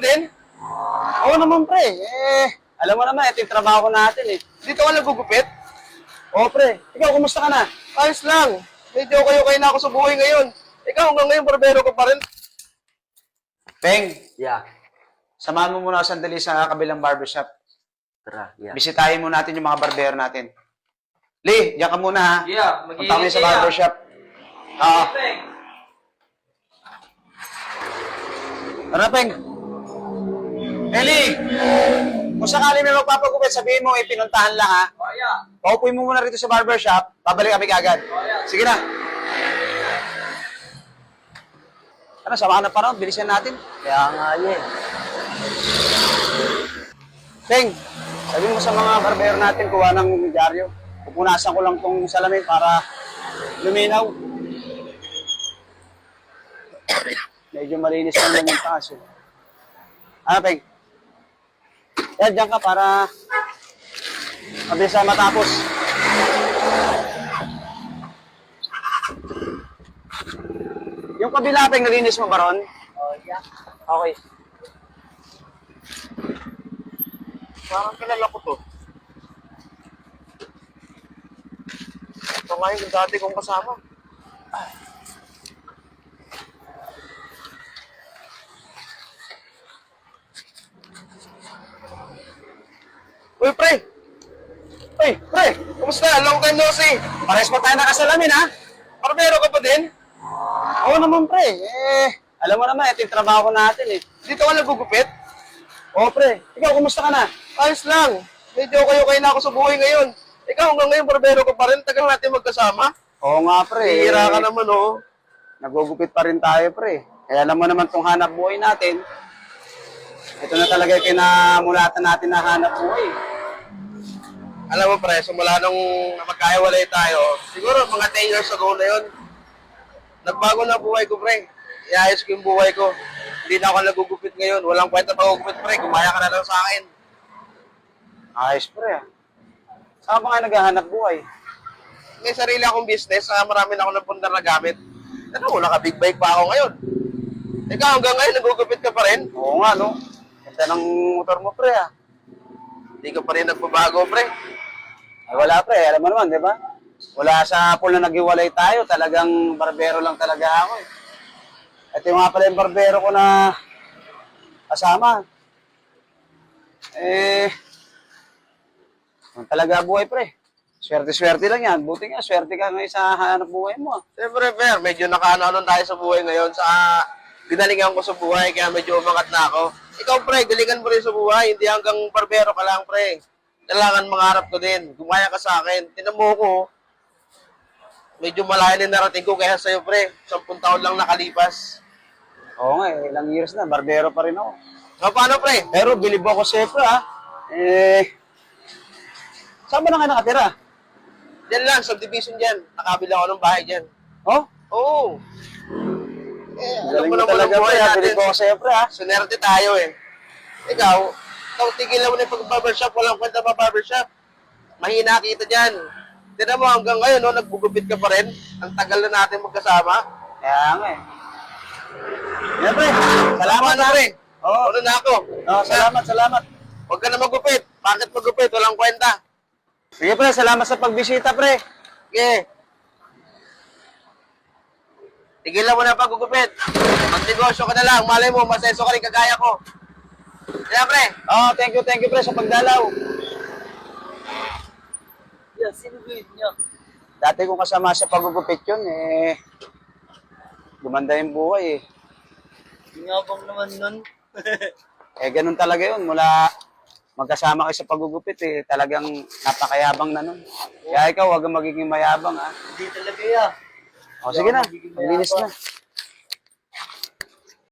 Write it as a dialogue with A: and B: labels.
A: din?
B: Oo naman, pre. Alam mo naman, ito yung trabaho natin eh.
A: Dito ka nagugupit?
B: Oo, pre. Ikaw, kumusta ka na?
A: Ayos lang. Medyo kayo na ako sa buhay ngayon. Ikaw hanggang ngayon, barbero ka pa rin.
B: Peng,
C: Yeah.
B: samahan mo muna ako sandali sa kabilang barbershop.
C: Tara, yeah.
B: Bisitahin mo natin yung mga barbero natin. Lee, diyan ka muna ha.
C: Yeah,
B: Punta kami sa barbershop. Oo. Tara, Peng. Lee, kung sakali may magpapagupit, sabihin mo, pinuntahan lang ha.
C: Oh, yeah.
B: Paupuin mo muna rito sa barbershop, babalik kami kagad. Sige na. Ano, sama ka na panahon, bilisan natin.
C: Kaya nga yun.
B: Peng, sabihin mo sa mga barbero natin, kuha ng dyaryo. Pupunasan ko lang tong salamin para luminaw. Medyo malinis lang yung taas. Ano, Peng? Yan, dyan ka para mabilis na matapos. Yung kabila, Peng, nalinis mo ba ron?
C: Oh, yeah.
B: Okay.
A: Parang kilala ko to. Ito nga yung dati kong kasama. Uy, pre!
B: Uy, pre!
A: Kumusta? Long time no see.
B: Pares pa tayo nakasalamin, ha?
A: Barbero ka pa din?
B: Oo naman, pre. Alam mo naman, ito yung trabaho natin, eh.
A: Dito ka nagugupit?
B: Oo, pre. Ikaw, kumusta ka na?
A: Ayos lang. Medyo kayo na ako sa buhay ngayon. Ikaw hanggang ngayon, barbero ka pa rin. Tagal natin magkasama.
B: Oo nga, pre.
A: Hihira ka naman, oh.
B: Nagugupit pa rin tayo, pre. Kaya alam mo naman itong hanap buhay natin. Ito na talaga yung kinamulatan natin na hanap buhay.
A: Alam mo, pre, simula nung magkaiwalay tayo, siguro mga 10 years ago na yun, nagbago na buhay ko, pre. Iayos ko yung buhay ko. Hindi na ako nagugupit ngayon. Walang kwenta pag-ugupit, pre. Gumaya ka na lang sa akin.
B: Ayos, pre. Saan ba nga naghahanap buhay?
A: May sarili akong business, marami na ako ng pundar na gamit. Ano, naka-big bike pa ako ngayon. Ikaw, hanggang ngayon, nagugupit ka pa rin?
B: Oo nga, no? Ganda ng motor mo, pre, ah.
A: Hindi ka pa rin nagbabago, pre.
B: Ay, wala, pre. Alam mo naman, di ba? Wala sa pool na naghiwalay tayo. Talagang barbero lang talaga ako, eh. Ito yung nga pala yung barbero ko na kasama. Talaga buhay, pre. Swerte-swerte lang yan. Buti nga, swerte ka ngayon sa hanap buhay mo.
A: Siyempre, Fer, medyo nakaano tayo sa buhay ngayon. Sa ginalingan ko sa buhay, kaya medyo umangat na ako. Ikaw, pre, galingan mo rin sa buhay. Hindi hanggang barbero ka lang, pre. Kailangan mangarap ko din. Gumaya ka sa akin. Tinan mo ko, medyo malayo na narating ko kaya sa'yo, pre. 10 taon lang nakalipas.
B: Oo nga, ilang years na. Barbero pa rin ako.
A: So, paano, pre?
B: Pero bilib ako sa pre, ah. Saan ba na nga nakatira?
A: Diyan lang, subdivision dyan. Nakabila ako ng bahay dyan.
B: Oh?
A: Oo. Alam
B: Galing
A: mo
B: mo
A: naman
B: talaga,
A: ang buhay
B: pre. Ah.
A: natin.
B: Bilib ako sa pre, ah.
A: Sunerte tayo eh. Ikaw tigilan mo na yung pag-barbershop, walang kwenta pa barbershop. Mahina kita dyan. Tignan mo hanggang ngayon, no, nagbugupit ka pa rin. Ang tagal na natin magkasama.
B: Kaya nga, eh. Yan, pre. Salamat,
A: na, pre.
B: Oo.
A: Ano na ako?
B: Oh, salamat.
A: Huwag ka na magupit. Bakit magupit? Walang kwenta.
B: Sige, pre. Salamat sa pagbisita, pre.
A: Sige. Tigilan mo na pag-gugupit. Magnegosyo ka na lang. Malay mo, maseso ka rin kagaya ko. Kaya, pre.
B: Oh, thank you, pre, sa pagdalaw.
C: Yeah, sino ba yun niya?
B: Dati kong kasama sa pagugupit yun, gumanda yung buhay, eh.
C: Yabang naman nun.
B: Ganun talaga yun. Mula magkasama kayo sa pagugupit, talagang napakayabang na nun. Kaya ikaw, huwag kang magiging mayabang, ha.
C: Hindi talaga, yeah.
B: O, sige na. Maglinis na.